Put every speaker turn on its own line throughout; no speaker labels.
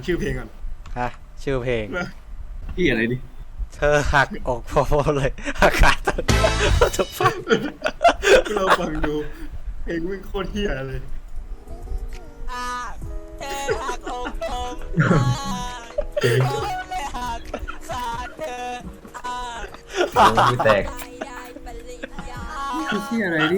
ชื่อเพลงก่อน
ฮะชื่อเพลง
พี่อะไรดิ
เธอหักอกพอเลยหักขาดจะฟัง
เราฟังดูเพลงไม่โคตรเฮี้ยเลย
เธอหักอกผมไม่หักขาดเธอ
โอ้ยแตก
พี่อะไรดิ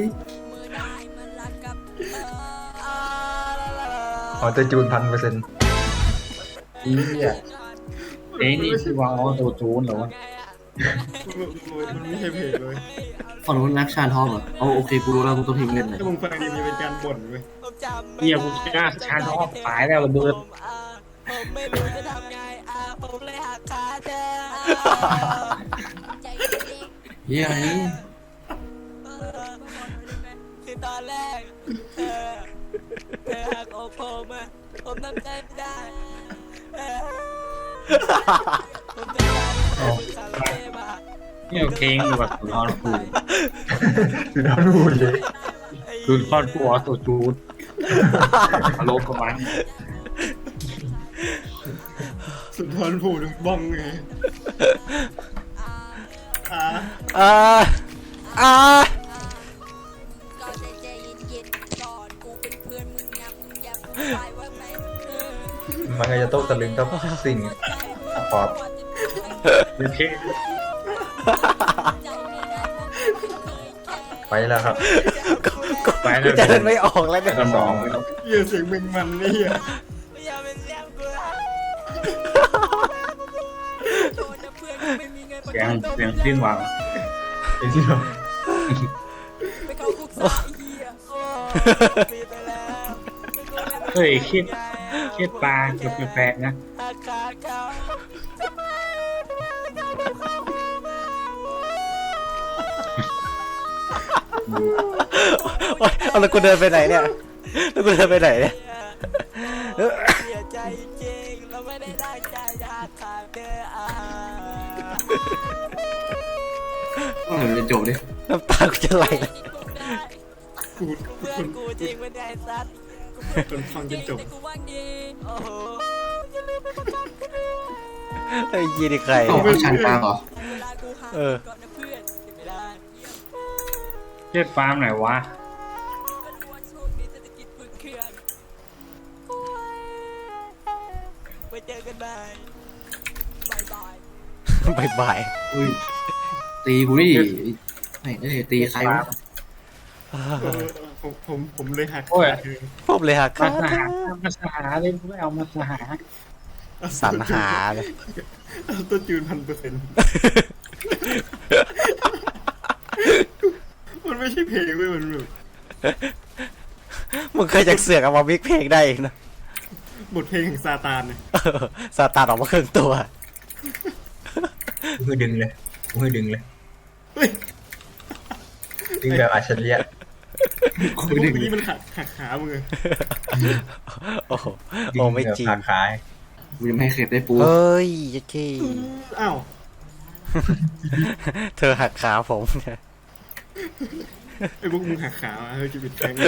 ออโต้จูน1,000%อีอ่ะ
นี่คือวางออโต้จูนเหรอวะ
มันไม่ใช่เพลงเลย
ฝั่งนู้นรักชาญทองเหรอเอาโอเคกูรู้แล้วกูต้องเพลงเล่นเลย
ถ้ามึงฟังดีมันเป็นการบ่นเว้ย
เนี่ยกูชนะชาญทองตายแล้วระเบิด
ผมไม่รู้จะทำไงผมเลยหักขาเธอ
เฮียอะไรนี่
คือตอนแรกเธอหักอกผมทำใจไม่ได้ผมจะสารเลมา
เนี่ยเพลงแบบนอนกู
คือน้องดูเลย
ดูคอนกูออโต้จูนอารมณ์ประมาณ
สุดทอนผูถึงบ้องไงอ่า
อ่าอ่า
ก็ใจเย็นๆก่อนกูเป็นเพื่อนมึงนะมึงอย่าพูดไปว่าแม่
มันก็จะโต๊ะตะลึงต้องสิ่งปอด
เป็นเพลง
ไปแล้วครับ
ไปแล้
กู
ว
จะเดินไม่ออกแล้วเนี่ย
กันสอง
เฮี้ยเสียงมึงมันไอ้เฮี้ย
อย่าเป็นเสียงกูโดนนะเพื่อนไม่มีเงินประ
เสีย
กั
ง
นตัว
เสียงสิ้นหวัง
เป็นที่เรา
ไปเข้าคุกซะไอ้เหี้ยมีไปแล้ว
เฮ้ยคิดปลาเก็บแปลกๆนะ
อาคาเขา
โอ๊ยเอาแล้วกูเดินไปไหนเนี่ยแล้วกูเดินไปไหนเนี่ย
เสียใจจริงเราไม่ได้ตั้งใจจะหักขาเธอ
เออจะจบดิ
น้ำตากูจะไหลแล้ว
กู
เพื่อนกูจริงเป็นไงสัตว์
จนฟังจนจบ
กูว่างดีโอ้โห
ไอ้ยี่นี่ใคร
เอาไปชันปลาเหรอ
เวลากูหาก่อนนะเพื่อนไม่ได้
เทียบฟาร์มไหนวะ
ก็รู้ว่าช่วงนี้เศรษฐกิจพึ่งเครื่องไว้เจอกันใหม่บายบาย
บายบาย
อุ้ยตีกูไม่ดีไม่ได้ตีใครวะ
ผมเลยหัก
โอ้ย
คือ
ผมเลยหัก
มา
ขา
สหามาสหาเลยกูไม่เอามาสหา
สรรหาเลย
ตัวจืน1,000%มันไม่ใช่เพลงเว้ยมันแบบ
มึงเคยจะเสือกเอามาวิกเพลงได้อีกนะ
บทเพลงแห่งซาตานเนี่ย
ซาตานออกมาครึ่งตัว
กูให้ดึงเลยกูให้ดึงเลย
เฮ้ย
ดึงแบบอัจฉริยะ
กู
พวก
ดึง
นี้มันหักขามึงอะ
โอ้โห
ดึ
โอ้
ง
ไม่
แบบ
จริง
ขาขาย
กูยังไม่ให้เข็ดได้ปู
เฮ้ยยัเจ้
อ้าว
เธอหักขาผมเนี่ย
ไอ้พวกมึงหักขามาเฮ้ยจะปิดแข้ง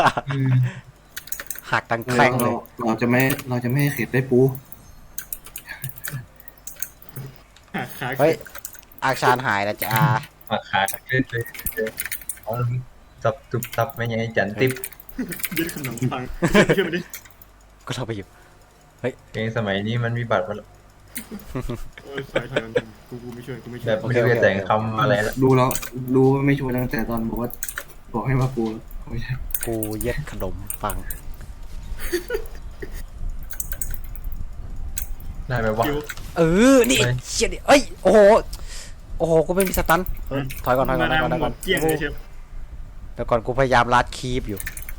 หักตั้งแข้งเลย
เราจะไม่ให้เข็ดได้ปู
หักขา
เฮ้ย อาชานหายนะจ๊ะ
ขาขายเลยเอาตับตุบตับไม่ไงจันติ๊บ
ยึดขนมปังเชื่อไม่ได้
ก็เราไปอยู่
เพลงสมัยนี้มันมีบัตรมาแล้ว
ถอยกูไม่ช่วยกูไม่ช่
แบ
วย
บไม่รู้จะแต่งคำอะไรแล้ว
ดูแล้วรู้ว่าไม่ช่วยตั้งแต่ตอนบอกให้มาปูไม่ใช่
กูเย็ดขนมปัง
ได้ไหมวะ
คิว
เออ นี่
ไป
เชี่ยดิเอ้ย โอ้โห โอ้โห กูไม่มีสตันเออถอยก่อนถอยก่อนถอยก่อนถอย
หม
ก่อน
ดเกลี้ยงเลยเชฟ
เดี๋ยวก่อนกูพยายามลัดคีบอยู่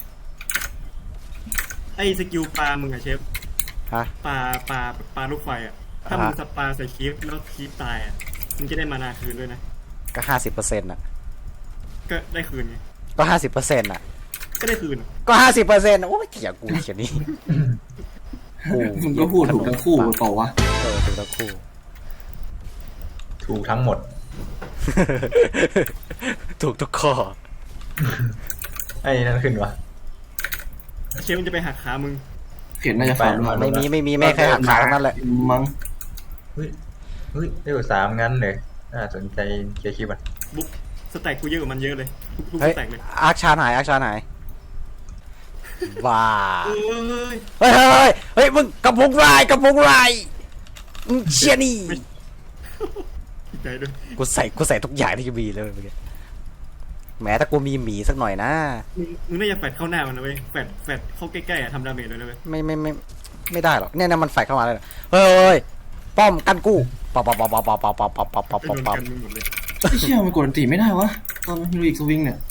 ไอ้สกิลปลามึงอะเชฟ
ฮะ
ปลาลูกไฟอะถ้ามึงสปาใส่คีฟแล้วคีฟตายอะมึงจะได้มานาคืนด้วยนะ
ก็50%อ่ะ
ก็ได้คืนไง
ก็50%อ่ะ
ก็ได้คืน
ก็50%โอ้ยเถียงกูเถียงนี่
มึงก็พูดถูกทั้งคู่เปล่าวะ
เออถูกทั้งคู่
ถูกทั้งหมด
ถูกทุกข้อ
ไอ้นั่นขึ้นวะ
เชฟมันจะไปหักขามึง
เขตน่าจะฟาร์มด้วย
ไม่มีแม่แค่หักขาทั้งนั้นแหละ
มั้ง
เฮ้ยได้อยู่3งั้นเลยน่าสนใจเคลียร์คลิปอ่ะ
บุ๊กสแต็กกูเยอะกว่ามันเยอะเลยทุก
เฮ้
ส
ย
แต็กเลย
อาร์คชานหายว้า
เอ้ย
เฮ้ยมึงกระพุ้งไรมึงเชี่ยนี่
ดีใจด้วย
กูใส่ทุกอย่างที่จะมีเลยเมื่อกี้แม้ถ้ากูมีหมีสักหน่อยนะ
มึงน่าจะแฟดเข้าหน้ามันนะเว้ยแฟดเข้าใกล้ๆอะทำดาเมจเลยนะเว้ย
ไม่ได้หรอกเนี่ยมันใส่เข้ามาเลยเฮ้ยป้อมกันกู้ป๊อป
ไปโดนกันมึงหมดเลย
ไอ้เชี่ยมันกดอันติไม่ได้วะตอนฮิโรอิกสวิงเนี่ย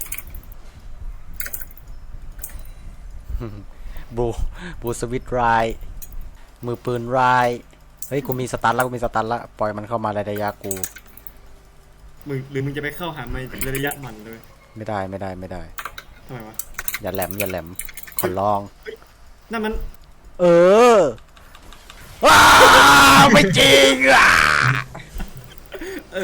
บูสวิตไรมือปืนไรเฮ้ยกูมีสตันแล้วปล่อยมันเข้ามาระยะกู
มึงจะไปเข้าหามันในระยะมันเลย
ไม่ได้
ทำไมวะ
อย่าแหลมขอลอง
นั่นมัน
เออว้าวไม่จริงอ่ะ
เอ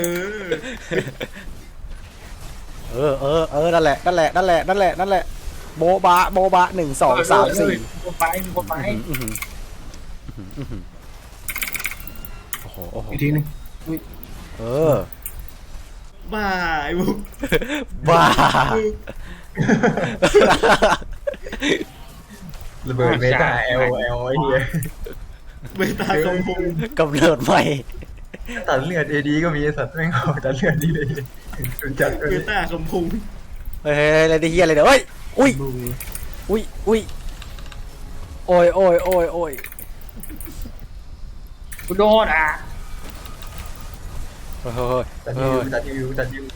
อ
นั่นแหละโบบะ1 2 3 4
คนไป
โอ้โห
อีกทีนึง
เออ
บ้าไอ้บุ๊ก
บ้า
ระเบิดเมตาเอลไอ้เหี้ย
เบตาคอมพง
กำเนิดใหม่
ตัดเลือดเอดีก็มีสัตว์แม่งเอาตัดเลือดดีเลยสุดจัดเล
เบ
ย
ตาคอมพง
เฮ้ยอะไรได้เฮียอะไรเดี๋ยวเฮ้ยอุ้ยโอ้ย
กูโดนอ่ะ
เฮ้ย
ตัดยู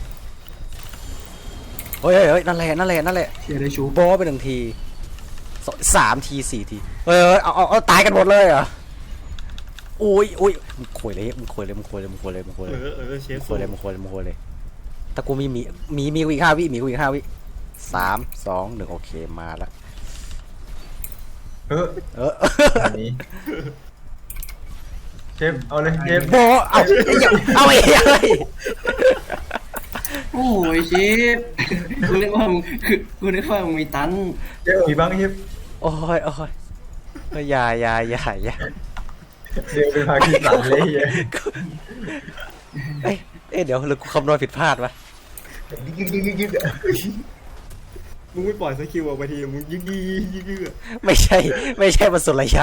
เฮ้ยนั่นแหละ
เชี่ยได้ชู
โบไป1 ที3 ที 4 ทีเฮ้ยเอาตายกันหมดเลยเหรออุ้ยมึงคุยเลย
เชฟ
เลยถ้ากูมีกูอีก5 วิ3 2 1โอเคมาแล้ว
เออ อันนี้เชฟเอาเลยเชฟ
โบเอาไอ้เหี้ย
โอ้ยเชฟกูนึกว่ามึงมีตัน
เชฟมีบ้างเชฟ
โอ้ยอย่า
เดี๋ยวเป็นพาคีสันเลยเฮ้ย
เดี๋ยวหรือกูคำนวณผิดพลาดวะ
มึงไม่ปล่อยสกิลออกไปทีมึงยึกอะ
ไม่ใช่มันสุดระยะ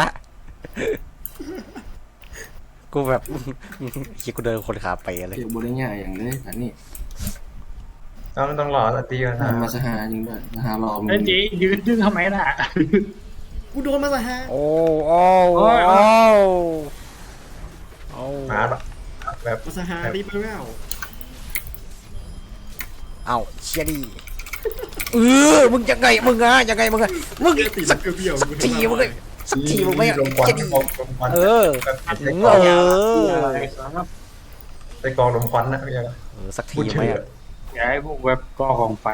กูแบบคิดกูเดินคนขาเป๋เลย
เดี๋ยวบริง่ายอย่างเลยอันนี้
มันต้องรอสตีกันนะ
มาสหาจริงด้วยสหารอมึง
ไอ้เจ๊ยืนทำไมล่ะ
กูโดนมาซะฮะ
โอ้
มาแบบ
มาซะฮะรีบไปแล้ว
เอาเชียดีมึงยังไงมึงสักทีมึงไม่
ลงควัน
เชียดี
ลมควัน
เออ
ใส่กองลมควันนะพี่
สักทีไหมอ่ะ
อย่าให้พวกเว็บก็ของไฟ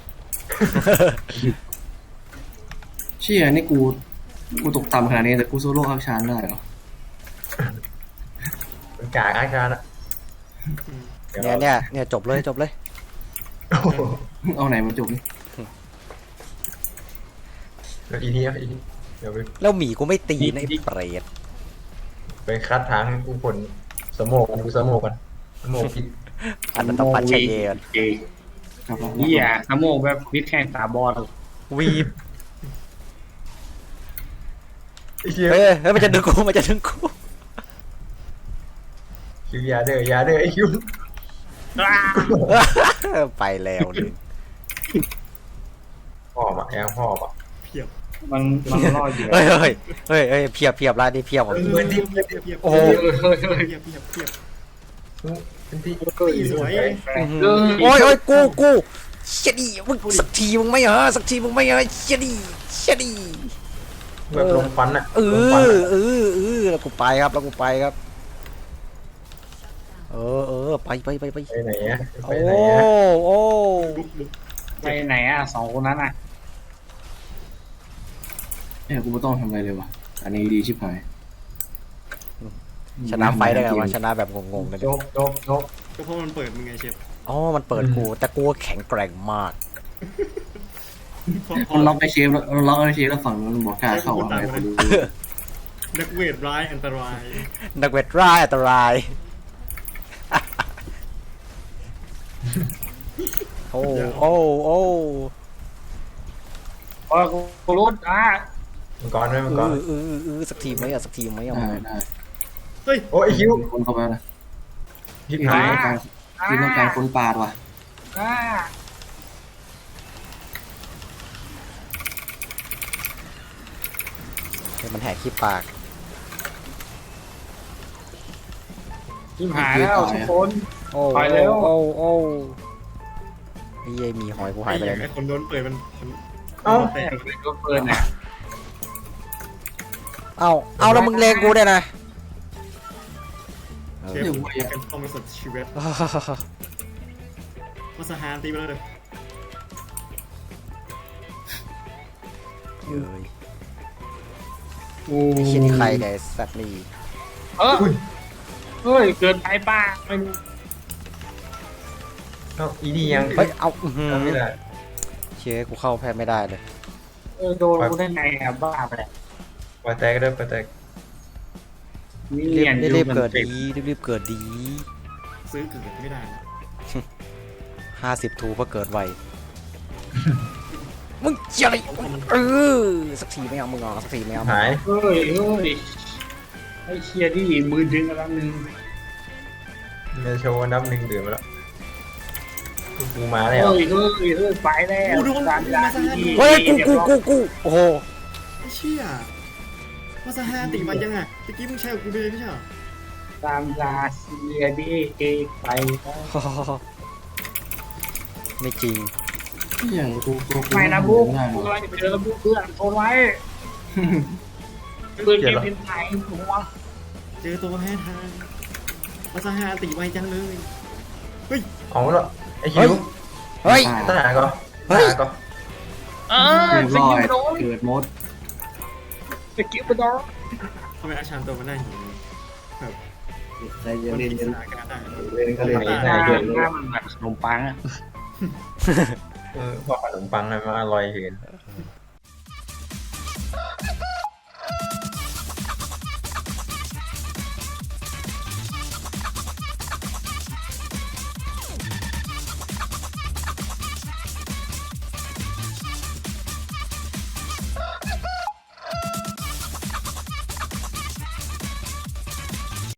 เชี่ยนี่กูตกต่ำขนาดนี้แต่กูโซโล่อัพชานได้เหรอ
เป็นกากอาการอ่ะ
เนี่ยจบเลย
เอาไหนมาจบนี่
แล้วอีนี้เดี๋ยว
แล้วหมีกูไม่ตีนะไอ้เปรต
ไปคัดทางกูผลสโมกกันสโมกพิษ
อันนั้นต้องปัดชัยเยน
เจ๊
ครับ
นี่อ่ะสโมกแบบวิทแข่งตาบอล
วีบ
ไอ้เหี้ย
เฮ้ยมันจะดึงกู
คิวยาเด้อไอ้คิว
ไปแล้วนึง
หอบอ่ะแอมหอบอ่ะ
เพียบ
มันรอดอยู่
เฮ้ยเพียบร้านนี้เพียบ
เพียบ
โอ้โห
เพียบ
เป็นที่
ตีสวย
โอ้ยกูเชียดีมึงสักทีมึงไม่เหรอเชียดี
แบบลมควันอ่ะ
แล้วกูไปครับไป
ไปไหนอ่ะ
โอ้
ไปไหนอ่ะ2 คนนั้นอ่ะ
กูไม่ต้องทำอะไรเลยวะอันนี้ดีชิบหาย
ชนะไฟได้ไงวะชนะแบบงงๆเลย
จบ
ก็เพราะมันเปิดมึงไงเชฟ
อ๋อมันเปิดกูแต่กูแข็งแกร่งมาก
มันล็อกไอเชฟแล้วมันล็อกไอเชฟแล้วฝั่งนู้นบอกกล้าเข้าอะไรไปดู
นักเวทร้ายอันตราย
นักเวทร้ายอันตราย โอ้โอ้โอ้
โอ้ยกูรู้อ่ะ
มังกรไหมมังกร
สักทีไหมอ่ะสักทีไหมอ่ะ
ได้ได้
เฮ้ย
โอ้ยคิว
มีคนเข้าไปแล้วนะ
ยิบ
ที่
หาย
ต้องการที่ต้องการคนปาดว่ะ
อ่า
มันแหกขี้ปาก
ชิบหายแล้วทุกคน
โอ้
ไปเร็ว
โอ้โอ้ไอ้เหี้ยมีหอยกูหายไปแล้ว
ไอ้
เนี่ย
คนโดนเปิดมัน
เอ้า
แต่
ก็เปิดเนี่ย
เอาแล้วมึงเลงกูเนี่ยนะ
เชฟกันต้องมาสดชีวิตมาสหารตีไปเลย
เฮ้ย
โอ้
ไอ้เชี่ยนี่ใครเนี่ยไอ้สัตว์นี่
เออเฮ้ยเกินไปป้าไม่รู้
เอ้าอีนี่ยัง
เฮ้ยเอาอื้อหือ
ทำไม่ได้
เชี่ยกูเข้าแพทย์ไม่ได้เลย
โดนกูได้ไงอ่ะบ้าไปเลย
ปล่อยแตกได้ปล่อยแตก
นี่
รี
เรียน
บเกิดดีรีบเกิดดี
ซื้อเกิดไม่ได้
50 ทูเพื่อเกิดไว มึงเจ๋ยสักทีไม่เอามึงสักทีไม่เอา
หาย
เฮ้ยไอ้เชียร์ดิมือดึงกำลังนึง
เมโชว์นับหนึ่งดื่มแล้วกูมาแล้ว
เฮ้ยไปแล้วการการที่
เฮ้ยกูโอ้โห
ไอ้เชี่ยมาสหารตีมันยังไงตะกี้มึงใช้กับกูเลยไม่ใช่เหรอ
ตามลาเชียร์ดิเอไปแล้ว
ไม่จริง
อย่างกู
ไม่นะบุ๊ก
ไม่ได้
บุ๊ก
หร
อะไร
อก
ไปเจอแล้วบุ๊กเพื่อนโทรไว้เพื่อนเกมเป็นไทยถูกวะ
เจอตัวแพ้ทางมาสหารตีไวจังเลยเฮ้ย
เอาแล้วไอ้คิว
เฮ้ย
ทหารก็ทหารก็
กูรอดเกิดมด
สกิลไปดอ
ทำไมอาชานตัวมันน่าหิวแบบ
ใจเย็
มัน
น
มี
เย็น
สถานการณ์ได้
เล่นก็เล่น
หน้ามันแบบขนมปังอะ
พอขนมปังอะไรมาอร่อยเห็น